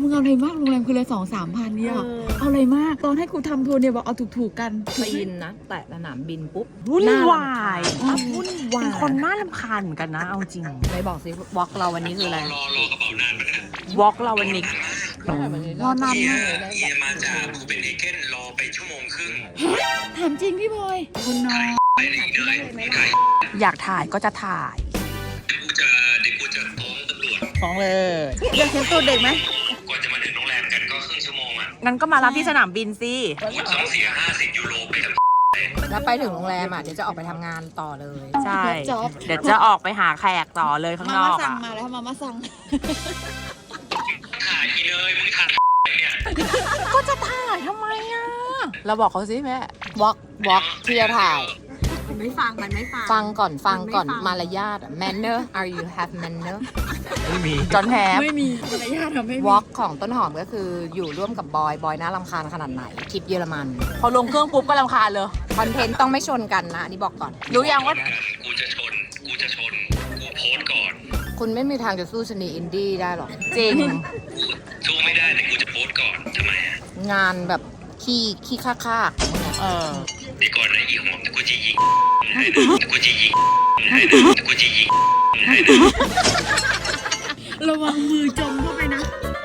งเอาอะไรมากโรงแรมคือละ2-3 พันเนี่ยเอาอะไรมากตอนให้กูทำทัวร์เนี่ยบอกเอาถูกๆกันปีนนะแต่สนามบินปุ๊บวุ่นวายวุ่นวายเป็นคนน่ารำคาญเหมือนกันนะเอาจริงไหนบอกสิวอล์กเราวันนี้คืออะไรรอกระเป๋านานไหมเนี่ยวอล์กเราวันนี้ รอนานเฮียมากเฮียมาจากคูเปนเฮเกนรอไปชั่วโมงครึ่งถามจริงพี่บอยคุณน้องไปไหนเหนื่อยมึงถ่ายอยากถ่ายก็จะถ่ายเดี๋ยวกูจะฟ้องตำรวจฟ้องเลยอยากเห็นตัวเด็กไหมกว่าจะมาถึงโรงแรมกันก็ครึ่งชั่วโมงอ่ะงั้นก็มารับที่สนามบินสิกูต้องเสีย50 ยูโรไปกับแล้วไปถึงโรงแรมอ่ะเดี๋ยวจะออกไปทำงานต่อเลยใช่ เดี๋ยวจะออกไปหาแขกต่อเลยข้างนมาอม่าก สั่งอ่ะมาแล้วมาม่าสั่งถ่ายอีเลยมึงถ่ายเนี่ยก็จะถ่ายทำไมอ่ะ เราบอกเขาสิแม่วอล์กที่จะถ่ายมันไม่ฟัง มันไม่ฟังฟังก่อนมันไม่ฟังมารยาท manner are you have manner ไม่มีจอนแฮปไม่มีมารยาทอะไม่มีวอล์กของต้นหอมก็คืออยู่ร่วมกับบอยน่ารำคาญขนาดไหนทริปเยอรมันพอลงเครื่องปุ๊บก็รำคาญเลยคอนเทนต์ต้องไม่ชนกันนะอันนี้บอกก่อนรู้ยังว่ากูจะชนกูโพสต์ก่อนคุณไม่มีทางจะสู้ชนีอินดี้ได้หรอกจริงกูสู้ไม่ได้แต่กูจะโพสต์ก่อนทำไมอ่ะงานแบบขี้ค่าเออเดี๋ยวก่อนนะอีหอมกูจะยิงให้นะกูจะยิงให้นะกูจะยิงให้นะระวังมือจมเข้าไปนะ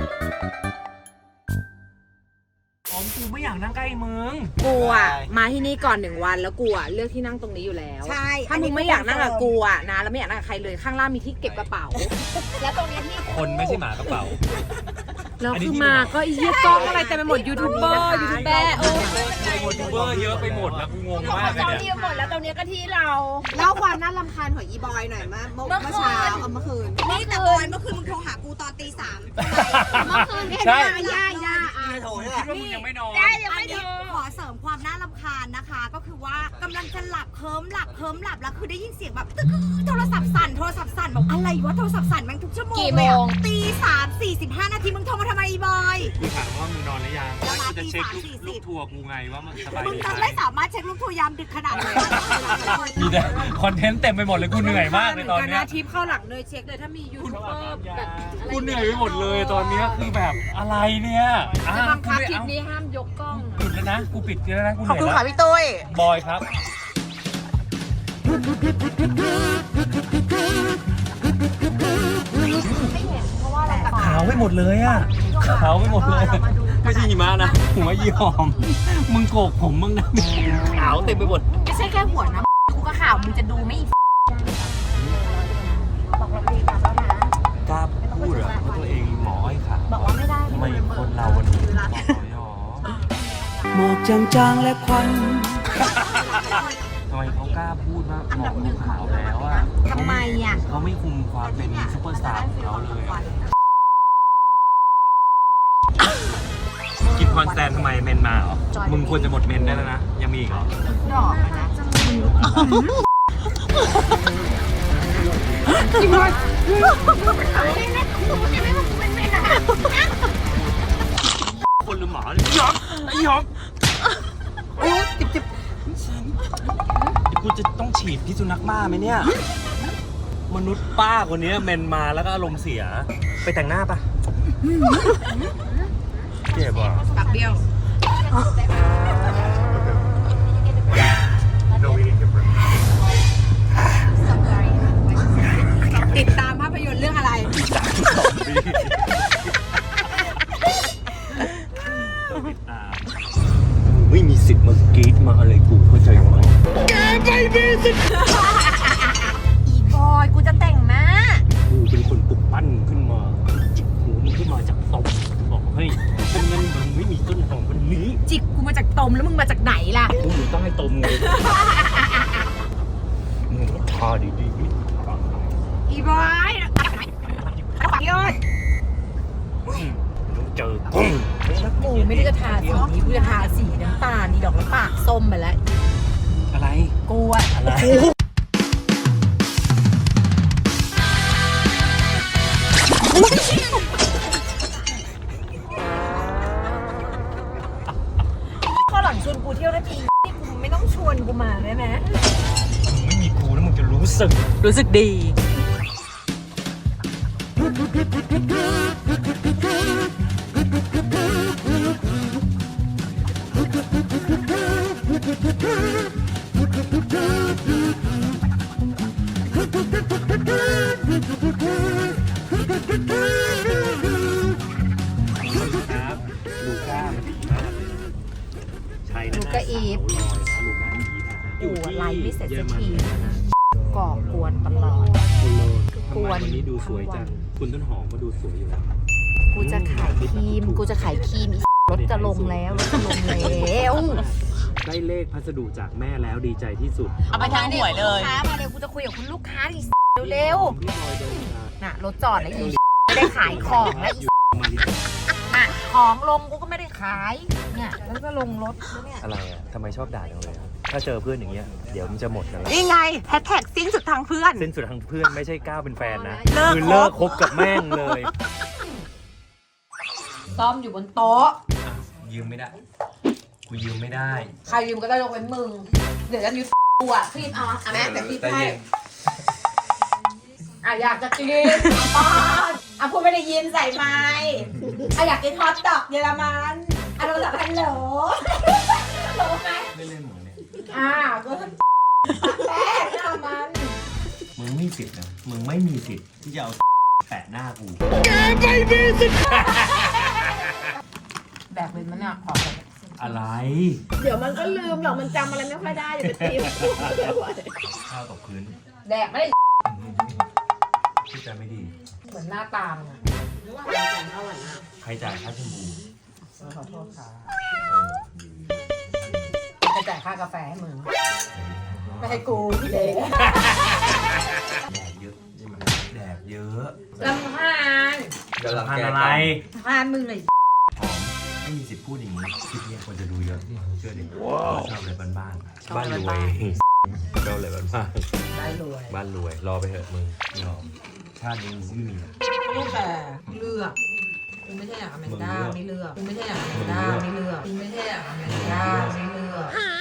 ของกูไม่อยากนั่งใกล้มึงกูอ่ะมาที่นี่ก่อน1 วันแล้วกูอ่ะเลือกที่นั่งตรงนี้อยู่แล้วใช่ถ้ามึงไม่อยากนั่งกับกูอ่ะนะแล้วไม่อยากนั่งกับใครเลยข้างล่างมีที่เก็บกระเป๋าแล้วตรงเนี้ยที่คนไม่ใช่หมากระเป๋าแล้วคือมาก็ไอ้เหี้ยกล้องอะไรเต็มไปหมดยูทูบเบอร์ยูทูบเบอร์ยูทูบเบอร์เยอะไปหมดแล้วกูงงมากเลยเราเนี่ยเรียกหมดแล้วตรงเนี้ยก็ที่เราเล่าความน่ารำคาญของอีบอยหน่อยเมื่อเช้าเอาเมื่อคืนนี่แต่บอยเมื่อคืนมึงโทรหากูตอนตี 3เมื่อคืนเนี่ยใช่ย่าคิดว่ามึงยังไม่นอนได้ยังไม่ถูกขอเสริมความน่ารำคาญนะคะ ก็คือว่ากำลังจะหลับเคิมหลับแล้วคือได้ยินเสียงแบบตึ๊กโทรศัพท์สั่นบอกอะไรวะโทรศัพท์สั่นแม่งทุกชั่วโมงเลยอะตี 3:45 นาทีมึงโทรมาทำไมอีบอยกูถามว่ามึงนอนหรือยังแล้วกูจะเช็คตีลูก 3:40 ทัวร์กูไงว่ามันสบายมึงดีจะไหมไม่สามารถเช็คลูกทัวร์ยามดึกขนาดนั้นมีแต่คอนเทนต์เต็มไปหมดเลยกูเหนื่อยมากเลยตอนเนี้ยทิปเข้าหลังเลยเช็คเลยถ้ามียูทูบเบอร์แบบกูเหนื่อยไปหมดเลยตอนเนี้ยคือแบบอะไรเนี่ยอ่ะจะบังกูคับไม่คลิปเอานี้ห้ามยกกล้องปิดแล้วนะกูปิดแล้วนะกูเหขอบนื่อยคุณแล้ค่ะวพี่ตุ้ยบอยครับขาวไปหมดเลยอ่ะขาวไปหมดเลย ไม่ใช่หิมะนะหัวยี่หอม มึงโกกผมมึงนะขาวเต็มไปหมดไม่ใช่แค่หัวนะกูก็ข่าวมึงจะดูไม่กล้าพูดเหรอว่าตัวเองหมอไอ้ขาบอกว่าไม่ได้ทำไมคนเราวันนี้หมอหรอหมอกจางๆและควันทำไมเขากล้าพูดว่าหมอดูขาวแล้วอ่ะทำไมอ่ะเขาไม่คุมความเป็นซุปเปอร์สตาร์ของเขาเลยอะกินคอนแซนทำไมเมนมาเหรอ มึงควรจะหมดเมนได้แล้วนะ ยังมีอีกเหรอ คนหรือหมาเนี่ยหยอกไอ้หยอกโอ้จิบจิบกูจะต้องฉีดพิษสุนัขบ้าไหมเนี่ย มนุษย์ป้าคนนี้เมนมาแล้วก็อารมณ์เสีย ไปแต่งหน้าปะเจ็บอ่ะปากเบี้ยว ติดตามภาพยนตร์เรื่องอะไรไม่มีสิทธิ์มากรีดมาอะไรกูเข้าใจไหมอีบอยกูจะแต่งหน้ากูเป็นคนปลุกปั้นขึ้นมาจิกหูมึงขึ้นมาจากศพบอกเฮ้ยเป็นเงินมึงไม่มีต้นหอมวันนี้จิกกูมาจากตมแล้วมึงมาจากไหนล่ะกูอยู่ใต้ตมไงมึงก็ทาดีอีบอยยอดๆต้องเจอกุ้งกูไม่ได้จะทาสีนี้กูจะทาสีน้ำตาลนี่ดอกน้ำปากส้มไปแล้วอะไรกูอะอะไรข้อหลังชวนกูเที่ยวนาทีนี่กูไม่ต้องชวนกูมาได้ไหมมึงไม่มีกูแล้วมึงจะรู้สึกรู้สึกดีครับลูก้ามันดีมากเลยใช่นะลูก้าอีฟลูก้าอีฟนะโอ้ไลฟ์ไม่เสร็จสักทีเยอรมันนะก่อกวนตลอดคุณโลทำกไมวนวันนี้ดูสวยจัง คุณต้นหอมก็ดูสวยอยู่แล้วกูจะขายครีมรถจะลงแล้วรถจะลงแล้วได้เลขพัสดุจากแม่แล้วดีใจที่สุดเอาไปทางหวยเลยลูกค้ามาเร็วกูจะคุยกับคุณลูกค้าดิเร็วพี่พลอยเดินมาๆน่ะรถจอดแล้วอีไม่ได้ขายของแล้วอีมาดิน่ะของลงกูก็ไม่ได้ขายเนี่ยแล้วก็ลงรถแล้วเนี่ยอะไรอ่ะทำไมชอบด่าจังเลยอะถ้าเจอเพื่อนอย่างเงี้ยเดี๋ยวมันจะหมดกันแล้วนี่ไงแฮชแท็กสิ้นสุดทางเพื่อนเส้นสุดทางเพื่อนไม่ใช่ก้าวเป็นแฟนนะเลิกคือเลิกคบกับแม่งเลยซ่อมอยู่บนโต๊ะยืมไม่ได้กูยืมไม่ได้ใครยืมก็ได้ยกเว้นมึง เดี๋ยวจะยืมกูอ่ะคลิปเอาอ่ะแม่แต่คลิปให้อ่ะอยากจะกินป้อนอ่ะพูดไม่ได้ยินใส่ไม้อ่ะอยากกินฮอทดอกเยอรมันอ่ะเราจะฮัลโหลฮัลโหลไหมไม่เล่นหมดเนี่ยอ่ะก็แป้งหน้ามันมึงไม่มีสิทธิ์นะมึงไม่มีสิทธิ์ที่จะเอาแปะหน้ากูแบบเป็นมันเนี่ยขอแบบอะไรเดี๋ยวมันก็ลืมหรอกมันจำอะไรไม่ค่อยได้อย่าไปตีมันข้าวตกพื้นแดกไม่ได้ที่จะไม่ดีเหมือนหน้าตามันอ่ะใครจ่ายค่าแชมพูขอโทษค่ะเออจะจ่ายค่ากาแฟให้มึงไม่ให้กูพี่เด็กแดกเยอะใช่ไหมแดกเยอะลำพานทานอะไรพานมึงเลยหอมไม่มีสิทธิ์พูดอย่างนี้คลิปนี้ควรจะดูเยอะเชื่อดิชอบอะไรบ้านๆบ้านรวยชอบอะไรบ้านได้รวยๆบ้านรวยรอไปเถอะมึงยอมชาตินี้มึงไม่มีนะลูกแต่เลือกกูไม่ใช่อย่างอเมริกาไม่เลือกกูไม่ใช่อย่างอเมริกาไม่เลือกกูไม่ใช่อย่างอเมริกาไม่เลือก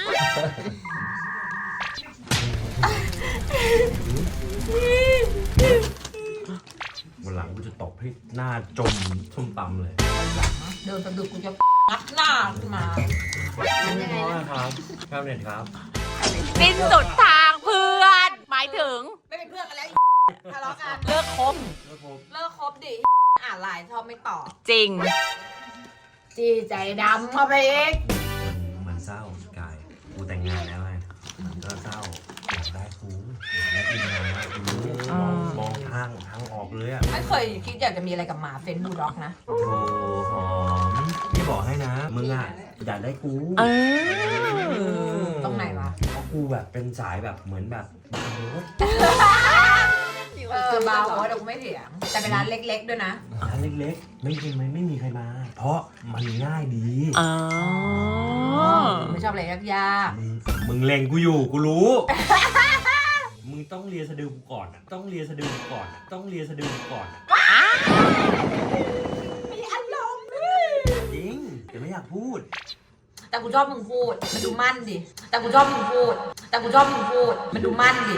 วันหลังกูจะตบให้หน้าจมส้มตำเลยเดินสะดุดกูจะงัดหน้าขึ้นมาครับครับเน็ตครับสิ้นสุดทางเพื่อน หมายถึงไม่เป็นเพื่อนกันแล้วทะเลาะกันเลิกคบเลิกคบดิอ่านไลน์ชอบไม่ตอบจริงจีใจดำเข้าไปอีกมันเศร้ากายกูแต่งงานแล้วไงมันก็เศร้าอยากได้กูอยากได้กินงานมากกูมองทางออกเลยอ่ะไม่เคยคิดอยากจะมีอะไรกับหมาเฟนบูลด็อกนะโอ้หอมพี่บอกให้นะมึงอ่ะอยากได้กูตรงไหนวะเพราะกูแบบเป็นสายแบบเหมือนแบบบางรถเบาเดี๋ยวกูไม่เถียงแต่เป็นร้านเล็กๆด้วยนะร้านเล็กๆไม่มีใครมา เพราะมันง่ายดีไม่ชอบอะไรยากมึงเล็งกูอยู่กูรู้ มึงต้องเลียสะดือกูก่อนอ่ะต้องเลียสะดือกูก่อนอ่ะต้องเลียสะดือกูก่อนอ่ะมีอารมณ์จริงแต่ไม่อยากพูดๆแต่กูชอบมึงพูดมันดูมั่นดิแต่กูชอบมึงพูดแต่กูชอบมึงพูดมันดูมั่นดิ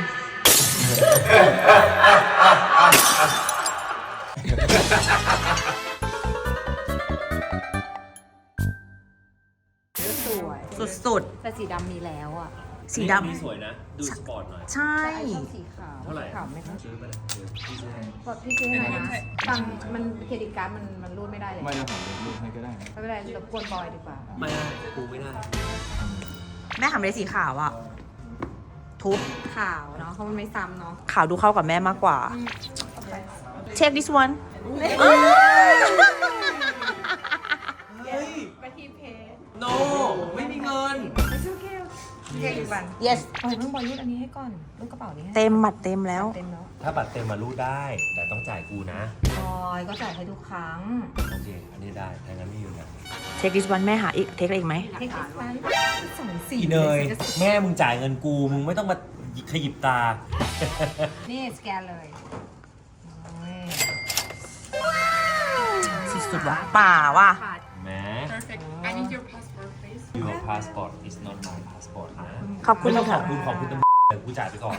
สวยสุดแต่สีดำมีแล้วอ่ะๆ สีดนี่สวยนะ ดูสปอร์ตหน่อยำ ใช่สีขาวเท่าไหร่ขาวไม่ต้องซื้อไปเลยเดี๋ยวพี่ซื้อให้กดพี่ซื้อให้หน่อยนะฟังมันเครดิตการ์ดมันรูดไม่ได้เลยไม่ได้ผมรูปให้ก็ได้นะไม่เป็นไรรบกวนบอยดีกว่าไม่ได้กูไม่ได้แม่ทำอะไรสีขาวอ่ะ ทุบขาวเนาะเพราะมันไม่ซ้ำเนาะขาวดูเข้ากับแม่มากกว่า Check this one ไปที่เพจโนไม่มีเงินเก่งบัน yes เอ้ยมึงบอยรูดอันนี้ให้ก่อนรูดกระเป๋านี้ให้เต็มบัตรเต็มแล้วเต็มแล้วถ้าบัตรเต็มมารูดได้ แต่ต้องจ่ายกูนะบอยก็จ่ายให้ทุกครั้งโอเค อันนี้ได้ถ้างั้นไม่อยู่นะ Check this one แม่หาอีก เทคอะไรอีกไหมเทคนิคนั้นสองสีอีเนยแม่มึงจ่ายเงินกู มึงไม่ต้องมาขยิบตานี่สแกนเลยโอ้ยสุดๆว่ะป่าว่ะแม่ I need your passport, please. Your passport is not my passport นะขอบคุณไม่ต้องขค่ะอบคุณตำรวจเดี๋ยวกูจ่ายไปก่อน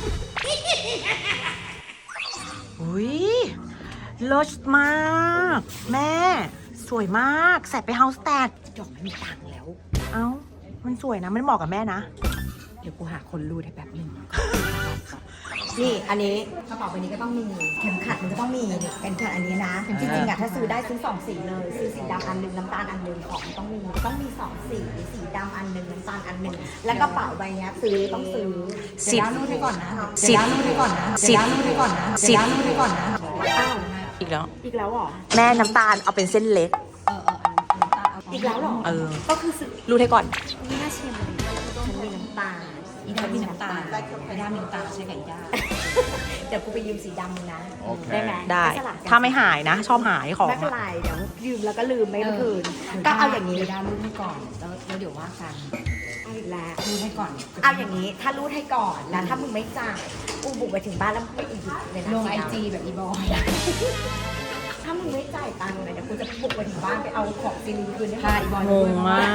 อุ้ยเลิศมาก แม่ สวยมาก ใส่ไปเฮาส์แตกจบไม่มีตังค์แล้วเอ้ามันสวยนะมันเหมาะกับแม่นะเดี๋ยวกูหาคนรูดให้แป๊บนึง นี่อันนี้กระเป๋าใบนี้ก็ต้องมีเข็มขัดมันก็ต้องมีนี่เข็มขัดอันนี้นะจริงๆอะถ้าซื้อได้ซื้อ2สีเลยซื้อสีดำอันหนึงน้ำตาลอันหนึงของมันต้องมี2สีสีดำอันหนึงน้ำตาลอันหนึงแล้วกระเป๋าใบเนี้ยต้องซื้อเดี๋ยวรูดให้ก่อนนะเดี๋ยวรูดให้ก่อนนะเดี๋ยวรูดให้ก่อนนะเดี๋ยวรูดให้ก่อนนะอ้าวอีกแล้วอีกแล้วเหรอแม่น้ำตาลเอาเป็นเส้นเล็กน้ำตาลอีกแล้วเหรอก็คือรู้ให้ก่อนนี่น่าชิมเลยฉันมีน้ำตาลอีด้ามีน้ำตาลอีด้ามีน้ำตาลใช่กับอีด้าเดี๋ยวกูไปยืมสีดำมึงนะได้ไหมได้สลับกันถ้าไม่หายนะ ชอบหายของไม่เป็นไรเดี๋ยวยืมแล้วก็ลืมไม่คืนก็เอาอย่างนี้ด้ารูดให้ก่อนแล้วเดี๋ยวว่ากันเอาอีกแล้วรูดให้ก่อนเอาอย่างนี้ถ้ารูดให้ก่อนแล้วถ้ามึงไม่จ่ายกูบุกไปถึงบ้านแล้วไม่อีกเลยนะลงไอจีแบบอีบอยถ้ามึงไม่จ่ายตังค์เลยเดี๋ยวกูจะบุกไปถึงบ้านไปเอาของซีรีคืนให้อีบอยงงมาก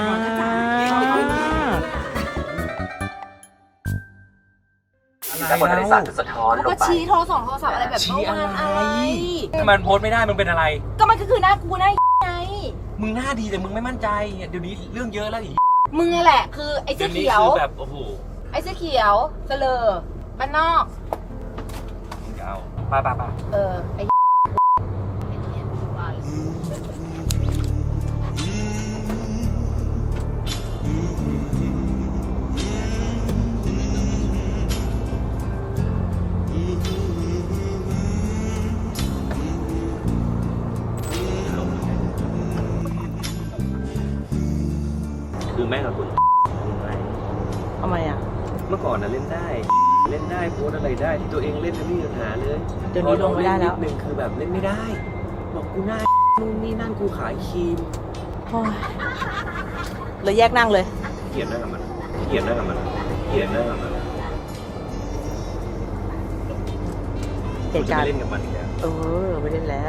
แล้วบริษัทจะสะท้อนลงก็ไปชี้โทรศัพท์อะไรแบบเมื่อวานอะไรทำไมมันโพสต์ไม่ได้มึงเป็นอะไรก็มันก็คือหน้ากูหน้าไงมึงหน้าดีแต่มึงไม่มั่นใจเดี๋ยวนี้เรื่องเยอะแล้วอีกมึงแหละคือไอ้เสื้อเขียวคือแบบโอ้โหไอ้เสื้อเขียวเสลอบ้านนอกเอาป้าไอ้คือแม่กับคุณทำไมอ่ะเมื่อก่อนน่ะเล่นได้โพสต์อะไรได้ที่ตัวเองเล่นไม่มีปัญหาเลยเดี๋ยวนี้ลงไม่ได้แล้วนิดนึงคือแบบเล่นไม่ได้ บอกกูหน้านู่นนี่นั่นกูขายครีมเลยแยกนั่งเลยเกลียดหน้ากับมันเกลียดหน้ากับมันเกลียดหน้ากับมันผมจะไม่เล่นกับมันอีกแล้วไม่เล่นแล้ว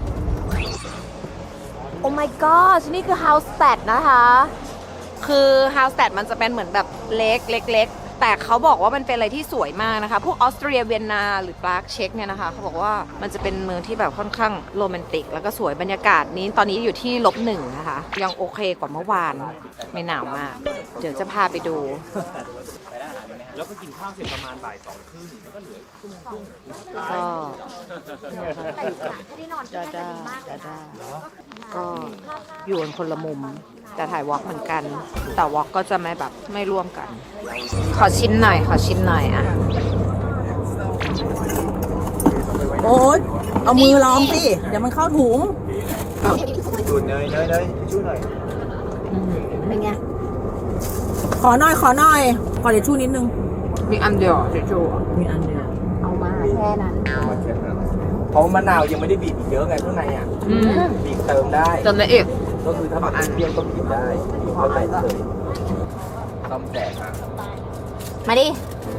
โอ้ my god นี่คือ house stat นะคะ คือ house stat มันจะเป็นเหมือนแบบเล็ก แต่เขาบอกว่ามันเป็นอะไรที่สวยมากนะคะ พวกออสเตรียเวียนนาหรือปรากเช็กเนี่ยนะคะเขาบอกว่ามันจะเป็นเมืองที่แบบค่อนข้างโรแมนติก แล้วก็สวยบรรยากาศนี้ตอนนี้อยู่ที่-1นะคะ ยังโอเคกว่าเมื่อวานไม่หนาวมาก เดี๋ยวจะพาไปดูแล้วก็กินข้าวเสร็จประมาณบ่าย 2:30แล้วก็เหลือชั่วโมงครึ่งก็ ก็อยู่กันคนละมุม แต่ถ่ายวอล์กเหมือนกัน แต่วอล์กก็จะไม่ร่วมกัน ขอชิ้นหน่อยอ่ะโอ๊ยเอามือลองสิ เดี๋ยวมันเข้าถุงดูเนยช่วยหน่อยเป็นไงขอหน่อย ขอเดี๋ยวชูนิดนึงมีอันเดียวเดี๋ยวโชว์มีอันเดียวเอามาแค่นั้นเพราะมะนาวยังไม่ได้บีบอีกเยอะไงข้างในอ่ะบีบเติมได้เติมได้อีกก็คือถ้าแบบเปรี้ยวก็บีบได้บีบเข้าไปเลยต้มแตกอ่ะมาดิ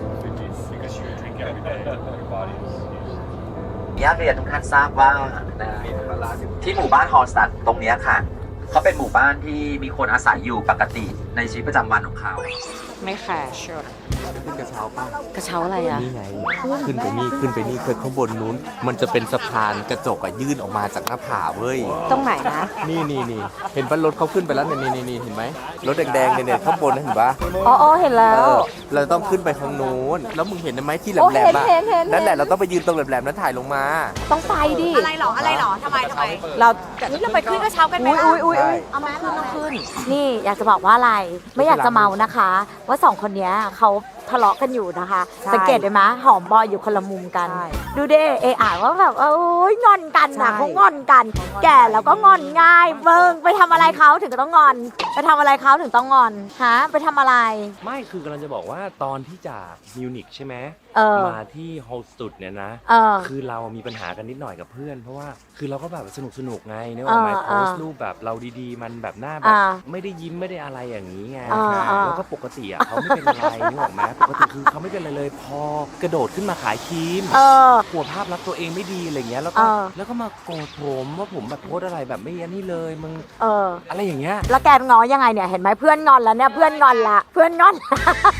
อยากเรียนทุกท่านทราบว่าที่หมู่บ้านฮอลสตัดตรงนี้ค่ะเขาเป็นหมู่บ้านที่มีคนอาศัยอยู่ปกติในชีวิตประจำวันของเขาไม่แคร์ชดขึ้นกระเช้าป่ะกระเช้าอะไรอ่ะนี่ไงขึ้นไปนี่คือข้างบนนู้น มันจะเป็นสะพานกระจกยื่นออกมาจากหน้าผาเว้ยตรงไหนนะนี่เห็นป่ะรถเขาขึ้นไปแล้วนี่เห็นไหมรถแดงๆเนี่ยข้างบนนะเห็นป่ะอ๋อเห็นแล้วเราต้องขึ้นไปข้างนู้นแล้วมึงเห็นไหมที่แหโอ้ลมๆอ่ะเห็นนั่นแหละเราต้องไปยืนตรงแหลมๆนั้นถ่ายลงมาต้องไปดิอะไรหรอทำไมเรานี่เราไปขึ้นกระเช้ากันไหมอุ้ยเอามาขึ้นนี่อยากจะบอกว่าอะไร ไม่อยากจะเมานะคะ ว่าสองคนเนี้ยเขาทะเลาะกันอยู่นะคะ สังเกตได้ไหมหอมบอยอยู่คนละมุมกัน ดูเด้อ่านว่าแบบโอ้ยงอนกันนะเขางอนกัน แก่แล้วก็งอนง่ายเบิ่งไปทำอะไรเขาถึงต้องงอน ไปทำอะไรเขาถึงต้องงอนฮะไปทำอะไรไม่คือกำลังจะบอกว่าตอนที่จากมิวนิกใช่ไหม มาที่ฮอลสตุดเนี่ยนะ คือเรามีปัญหากันนิดหน่อยกับเพื่อน เพราะว่าคือเราก็แบบสนุกไงเนี่ยว่าไม่โพสต์รูปแบบเราดีๆมันแบบหน้าแบบไม่ได้ยิ้มไม่ได้อะไรอย่างนี้ไงแล้วก็ปกติอ่ะเขาไม่เป็นอะไรนึกออกไหมปกติคือเขาไม่เป็นอะไรเลยพอกระโดดขึ้นมาขายครีมหัวภาพลักษณ์ตัวเองไม่ดีอะไรเงี้ยแล้วก็มาโกรธผมว่าผมแบบโพสต์อะไรแบบไม่ยันนี่เลยมึงอะไรอย่างเงี้ยแล้วแกง้อยังไงเนี่ยเห็นไหมเพื่อนงอนแล้วเนี่ยเพื่อนงอนละ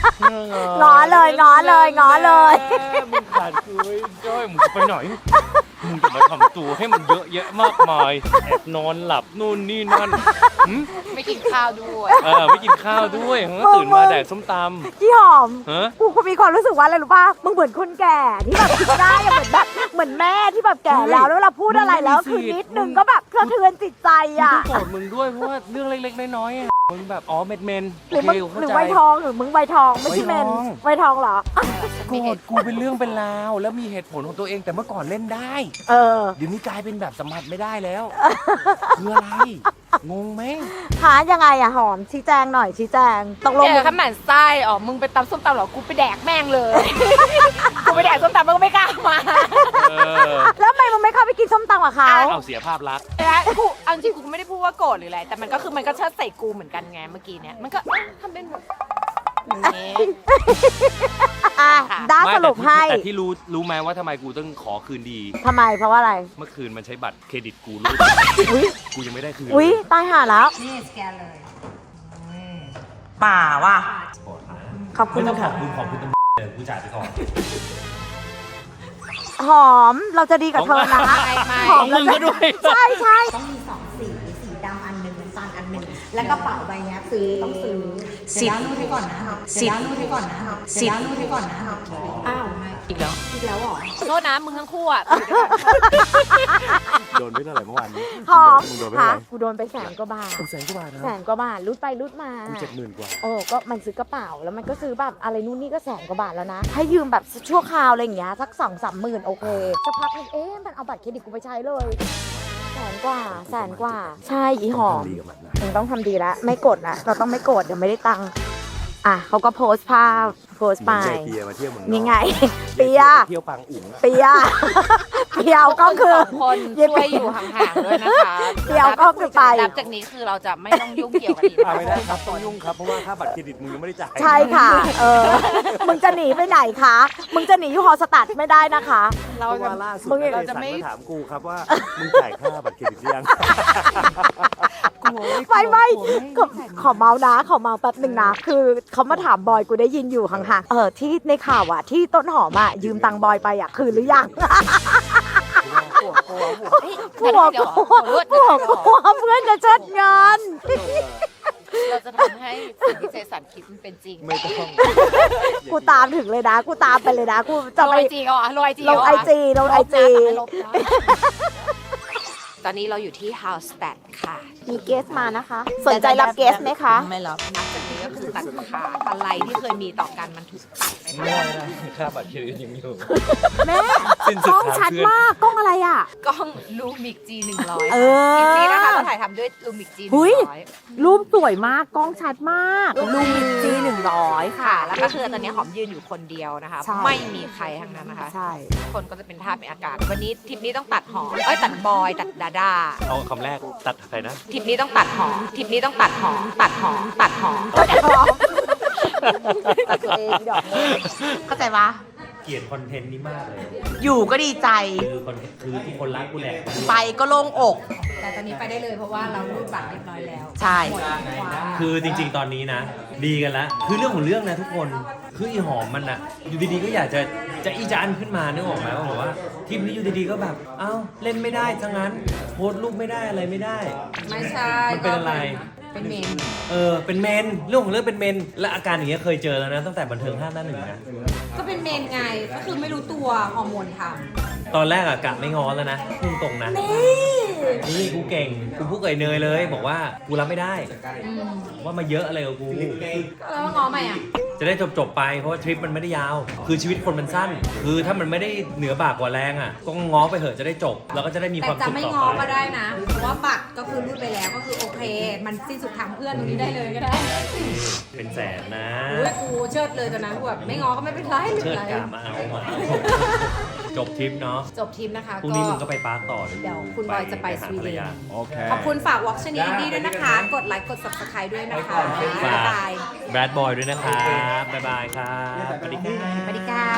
ง้อเลยมึงขาดคุยด้วยมึงจะไปไหนมึงจะมาทำตัวให้มันเยอะแยะมากมายแอบนอนหลับนู่นนี่นั่นไม่กินข้าวด้วยไม่กินข้าวด้วยตื่นมาแดกส้มตำพี่หอมฮะกูมีความรู้สึกว่าอะไรรู้ป่ะ มึงเหมือนคนแก่ที่แบบคิดได้อะเหมือนแม่ที่แบบแก่แล้วเวลาพูดอะไรแล้วคือนิดนึงก็แบบสะเทือนจิตใจอ่ะต้องโกรธมึงด้วยเพราะว่าเรื่องเล็กๆน้อยๆอะมึงแบบเมนหรือมึงเข้าหรือใจไวทองหรือมึงไวทองไม่ใช่เมนไวทองเหรอโกรธกูเป็นเรื่องเป็นราวแล้วมีเหตุผลของตัวเองแต่เมื่อก่อนเล่นได้เออเดี๋ยวนี้กลายเป็นแบบสัมผัสไม่ได้แล้ว คืออะไร งงไหมหายังไงอะหอมชี้แจงหน่อยชี้แจงตกลงเจอขมันไส้มึงไปตำส้มตำเหรอ กูไปแดกแม่งเลย กูไปแดกส้มตำแล้วก็ไม่กล้ามาแล้วทำไมมึงไม่เข้าไปกินส้มตำกับเขาเอาเสียภาพลักษณ์แล้วกูเอาจริงกูไม่ได้พูดว่าโกรธหรืออะไร แต่มันก็คือมันก็เชิดใส่กูเหมือนกันไงเมื่อกี้เนี้ย มันก็ทำเป็นแบบนี้อ่ะด้าไม่สรุปให้แต่ที่รู้ไหมว่าทำไมกูต้องขอคืนดีทำไมเพราะว่าอะไรเมื่อคืนมันใช้บัตรเครดิตกูรูดกูยังไม่ได้คืนอุ๊ยตายห่าแล้วนี่สแกนเลยป่าว่ะขอบคุไม่ณต้องขค่ะอบคุณเลยกูจ่ายไปก่อนหอมเราจะดีกับเธอนะไม่หอมมึงก็ด้วยใช่ใช่ต้องมี2 สีสีดำอันหนึ่งน้ำตาลอันหนึ่งและกระเป๋าใบเนี้ยต้องซื้อสิบเดี๋ยวรูดให้ก่อนนะสิบเดี๋ยวรูดให้ก่อนนะสิบเดี๋ยวรูดให้ก่อนนะอ้าวอีกแล้วอีกแล้วเหรอโทษนะมึงทั้งคู่อ่ะโดนไปเท่าไหร่เมื่อวานนี้หอมมึงโดนไปค่ะเท่าไหร่กูโดนไป100,000 กว่าบาทแสนกว่าบาทนะ 100,000 กว่าบาทรูดไปรูดมากู70,000 กว่าโอ้ก็มันซื้อกระเป๋าแล้วมันก็ซื้อแบบอะไรนู่นนี่ก็100,000 กว่าบาทแล้วนะ ให้ยืมแบบชั่วคราวอะไรอย่างเงี้ยสัก2-3 หมื่นโอเคสักพักนึงมันเอาบัตรเครดิตกูไปใช้เลย100,000 กว่า ใช่อีหอมมึงต้องทำดีแล้วไม่กดละเราต้องไม่กดเดี๋ยวไม่ได้ตังค์อ่ะเขาก็โพสต์ภาพโพสต์ไปเปียมาเที่ยวเมืองนี่ไง เปียเที่ยวปางอุ๋งเปียเปียวก็คือสองคนช่วยอยู่ห่างๆด้วยนะคะเดี๋ยวก็คือไปนับจากนี้คือเราจะไม่ต้องยุ่งเกี่ยวกับอีกไม่ได้ครับต้องยุ่งครับเพราะว่าค่าบัตรเครดิตมึงยังไม่ได้จ่ายใช่ค่ะ มึงจะหนีไปไหนคะ มึงจะหนีอยู่ฮอสตัดไม่ได้นะคะเพราะว่าล่าสุดเราจะไม่ถามกูครับว่ามึงจ่ายค่าบัตรเครดิตหรือยังไม่ขอเมานะขอเมาแป๊บหนึ่งนะ คือเขามาถามบอยกูได้ยินอยู่ห่างๆที่ในข่าวอ่ะที่ต้นหอมอ่ะยืมตังค์บอยไปอ่ะคืนหรือยังกลัวเพื่อนจะเชิดเงินเราจะทำให้สิ่งที่เจสันคิดมันเป็นจริงไม่ต้องกูตามถึงเลยนะ กูตามไปเลยนะ กูจะลงไปไอจีก็ลงไอจีลงไอจีลงไอจีตอนนี้เราอยู่ที่ House Stat ค่ะมีเกสมานะคะ สนใจรับเกสไหมคะไม่รับนับจากนี้ก็คือตัดขาดอะไรที่เคยมีต่อกันมันถูกตัดไปไม่ได้ค่าบัตรเครดิตยังอยู่แม่สิ้นสุกดล้องทางชัดเพื่อนมากกล้องอะไรอ่ะกล้องลูมิก G100 เออจริงๆนะคะเราถ่ายทำด้วยลูมิกหุย G100 รูปสวยมากกล้องชัดมากลูมิกจี100 ค่ะ แล้วก็คือตอนนี้หอมยืนอยู่คนเดียวนะคะใช่ไม่มีใครทั้งนั้นนะคะใช่คนก็จะเป็นท่าเป็นอากาศ วันนี้ทริปนี้ต้องตัดหอมตัดบอย ตัดดาดาเอาคำแรกตัดใครนะทริปนี้ต้องตัดหอมทริปนี้ต้องตัดหอม ตัดหอม ตัดหอมตัดตัวเองดอกเข้าใจปะเกลียดคอนเทนต์นี้มากเลยอยู่ก็ดีใจคือทุกคนรักกูแหละไปก็โล่งอกแต่ตอนนี้ไปได้เลยเพราะว่าเรารูดบัตรเรียบร้อยแล้วใช่คือจริงๆ ตอนนี้นะ ดีกันแล้ว คือเรื่องของเรื่องนะทุกคน คืออีหอมมันอะอยู่ดีๆ ก็อยากจะอีจานขึ้นมานึกออกไหมว่าแบบว่าทีมนี้อยู่ดีๆ ก็แบบ เอ้า เล่นไม่ได้ซะงั้น โพสต์รูปไม่ได้อะไรไม่ได้ไม่ใช่มันเป็นอะไรเป็นเมนเป็นเมน เรื่องของเรื่องเป็นเมน และอาการอย่างเงี้ยเคยเจอแล้วนะ ตั้งแต่บันเทิง5 หน้า 1นะก็เป็นเมนไง ก็คือไม่รู้ตัวฮอร์โมนทตอนแรกอะกะไม่ง้อแล้วนะพุ่งตรงนะ นี่กูเก่ง กูพูดกับไอ้เนยเลย บอกว่ากูรับไม่ได้ ว่ามาเยอะอะไรกับกูำแล้วง้อใหม่อ่ะจะได้จบไปเพราะว่าทริปมันไม่ได้ยาว คือชีวิตคนมันสั้น คือถ้ามันไม่ได้เหนือบากกว่าแรงอ่ะก็ง้อไปเถอะจะได้จบ แล้วก็จะได้มีแต่ความจะสุขไม่ต่อง้อไปก็ได้นะ เพราะว่าบัตรก็คือรูดไปแล้วก็คือโอเค มันสิ้นสุดทางเพื่อนตรงนี้ได้เลยก็ได้เป็นแสนนะอุ้ยกูเชิดเลยตอนนั้นกูแบบไม่ง้อก็ไม่เป็นไรไม่เชิเป็ดนไรกามาเอามาจบทริปเนาะจบทีมนะคะพรุ่งนี้มึงก็ไปปาร์คต่อเดี๋ยวคุณบอยจะไปสวีเดนโอเคขอบคุณฝากวอล์กชนีดีด้วยนะคะ กดไลค์กด subscribe ด้วยนะคะฝาบ๊ายกบายแบดบอยด้วยนะครับ บ๊ายบายครับสวัสดีครับสวัสดีครับ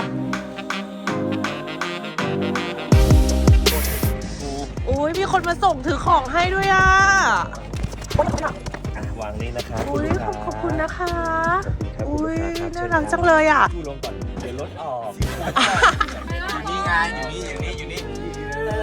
อุ้ยมีคนมาส่งถือของให้ด้วยอ่ะวางนี่นะครับอุ้ยขอบคุณนะคะ อุ้ยน่ารักจังเลยอ่ะดูลงก่อน เดี๋ยวรถออกอยู่นี่ไงอยู่นี่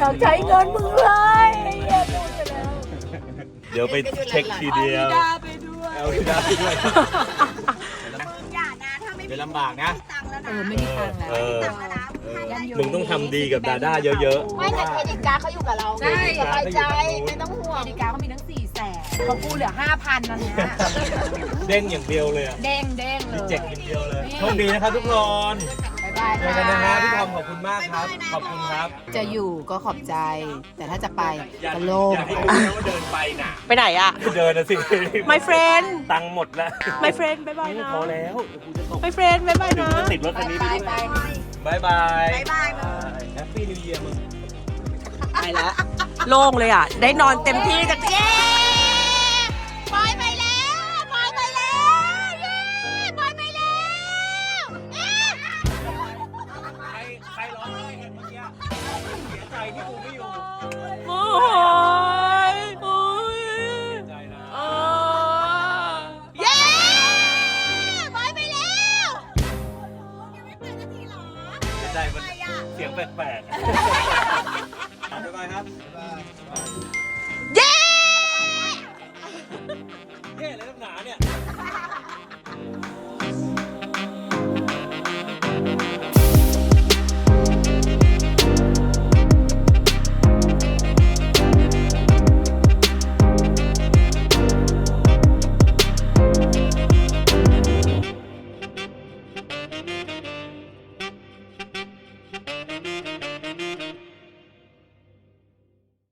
ากใช้เงินมึงเลยไอ้เหี้ยพูดไปแล้วเดี๋ยวไปเช็คทีเดียวดาไปด้วยเอาไปได้ด้วยมึงอย่านะถ้าไม่มีเดี๋ยวลำบากนะตังค์แล้วนะไม่มีตังค์แล้วเออตังค์แล้วนะมึงต้องทำดีกับดาด้าเยอะๆไม่แต่เครดิตการ์ดเขาอยู่กับเราใช่สบายใจไม่ต้องห่วงเครดิตการ์ดเขามีทั้ง400,000ของกูเหลือ 5,000นั่นนะเด้งอย่างเดียวเลยอะเด้งเด้งเลมียเจ็กอย่างเดียวเลยโชคดีนะครับทุกคนบ๊ายบายเจอกันนะฮะพี่ทอมขอบคุณมากครับ ขอบคุณครับจะอยู่ก็ขอบใจ แต่ถ้าจะไปอย่าก็โล่งอย่าให้รู้นะว่าเดินไปน่ะไปไหนอะเดินนะสิ My friend ตังค์หมดแล้ว My friend บ๊ายบายนะพอแล้วเดี๋ยวกูจะตก My friend บ๊ายบายนะติดรถคันนี้ไปด้วยบายบายบ๊ายบายมึงแฮปปี้นิวเยียร์มึงไปแล้ว โล่งเลยอ่ะ ได้นอนเต็มที่จากเย้ปอยไปแล้วปอยไปแล้วเย้ปอยไปแล้วใครร้องไห้กันเมื่อกี้เสียใจที่กูไม่อยู่โอ้ยโอ้ยเสียใจนะเย้ปอยไปแล้วเสียใจมันเสียงแปลกๆ